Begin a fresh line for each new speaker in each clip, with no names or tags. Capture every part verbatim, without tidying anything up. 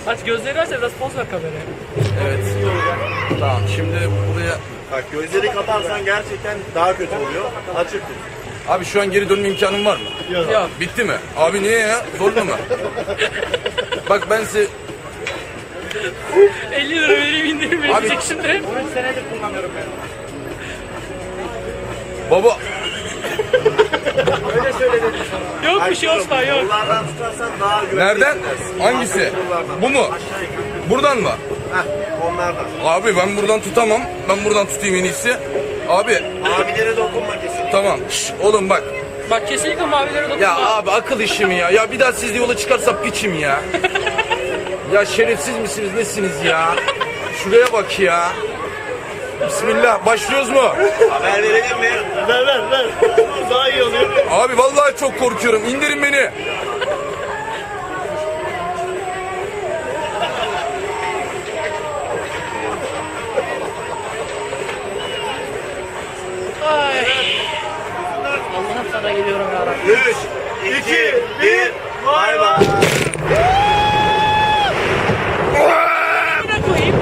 Aç gözleri aç da biraz poz ver kameraya.
Evet. Tamam şimdi buraya...
Bak gözleri kaparsan gerçekten daha kötü oluyor. Açık tut.
Abi şu an geri dönme imkanım var mı?
Yok.
Bitti mi? Abi niye ya? Zorla mı? Bak ben size...
elli lira vereyim indirim verecek
Abi-
şimdi.
üç senedir kullanıyorum ben.
Baba...
Öyle söyledim sana.
Yok bir şey Osman yok.
Kollardan tutarsan daha güvenli
Nereden?
hissedersin.
Hangisi?
Kollardan.
Bu mu?
Aşağı yukarı.
Buradan mı?
Heh, onlardan.
Abi ben buradan tutamam. Ben buradan tutayım en iyisi. Abi
Abilere dokunma kesinlikle.
tamam. Şş, oğlum bak.
Bak kesinlikle mavilere dokunma.
Ya abi akıl işi mi ya? Ya bir daha siz de yola çıkarsa piçim ya. Ya şerefsiz misiniz nesiniz ya? Şuraya bak ya. Bismillah başlıyoruz mu?
Haber verelim mi? Ver ver ver. Daha iyi oluyor.
Abi vallahi çok korkuyorum. İndirin beni.
Ay. Allah'ım sana geliyorum ya Rabbi.
üç, iki, bir. Bay bay.
Ne koyayım?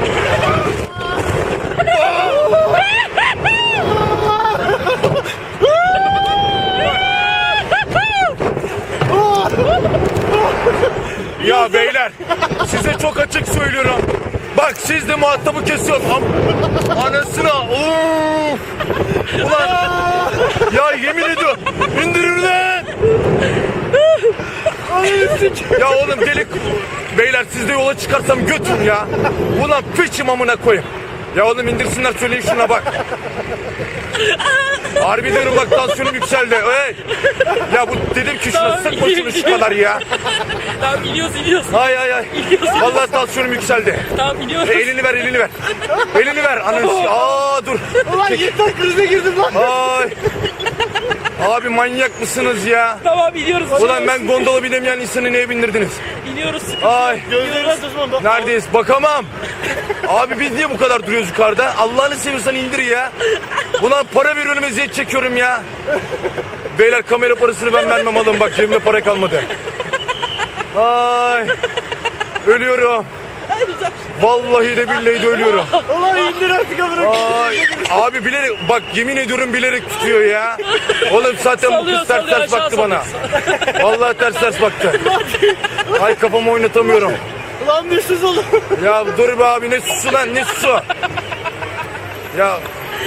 Ya beyler size çok açık söylüyorum. Bak siz de muhatabı kesiyorsun. Am- Anasına. Of. Ulan. Ya yemin ediyorum. İndirin lan. Ya oğlum delik. Beyler siz de yola çıkarsam götürün ya. Ulan piçim amına koyayım. Ya oğlum indirsinler söyleyin şuna bak. Harbi diyorum bak tansiyonum yükseldi. Hey. Ya bu dedim ki şuna
Tamam,
sıkma şunu şu kadar ya.
Tamam iniyoruz iniyoruz.
Ay ay ay. Vallahi tansiyonum yükseldi.
Tamam iniyoruz.
E, elini ver elini ver. Elini ver ananı. Aa dur.
Ulan yeter krize girdim lan.
Ay. Abi manyak mısınız ya?
Tamam iniyoruz.
Ulan ben gondola binemeyen insanı neye bindirdiniz?
İniyoruz.
Ay.
Gözlerini tutma. Bak.
Neredeyiz? Bakamam. Abi biz niye bu kadar duruyoruz yukarıda? Allah'ını seviyorsan indir ya. Ulan para veriyorum eziyet çekiyorum ya. Beyler kamera parasını ben vermem alın bak cebimde para kalmadı. Ay. Ölüyorum. Vallahi de billahi de ölüyorum.
Ulan indir artık amına.
Ay. Abi bilerek bak yemin ediyorum bilerek tutuyor ya. Oğlum zaten bu
Sallıyor,
kız ters
sallıyor,
ters
aşağı
baktı bana. Vallahi ters ters baktı. Ay kafamı oynatamıyorum.
Ulan düşsüz oğlum.
Ya dur be abi ne susu lan ne susu. Ya.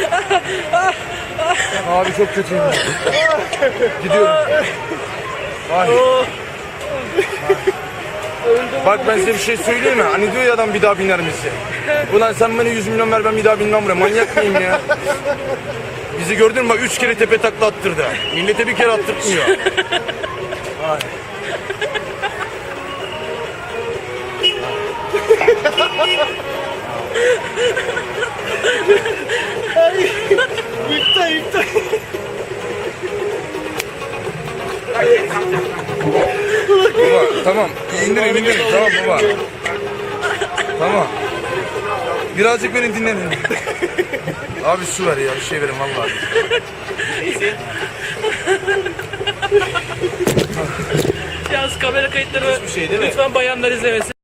Abi çok kötüyüm. Gidiyorum. Ay. Bak ben size bir şey söyleyeyim mi? Hani diyor ya adam bir daha biner misin? Ulan sen bana yüz milyon ver ben bir daha binmem buraya. Manyak mıyım ya? Bizi gördün mü bak üç kere tepe takla attırdı. Millete bir kere attırtmıyor. Ay.
Yıktı yıktı.
Baba tamam indirin indirin tamam baba. Tamam. Birazcık beni dinlenin. Abi su ver ya bir şey verin vallahi.
Yalnız kamera kayıtları
şey değil mi?
lütfen bayanlar izlemesin.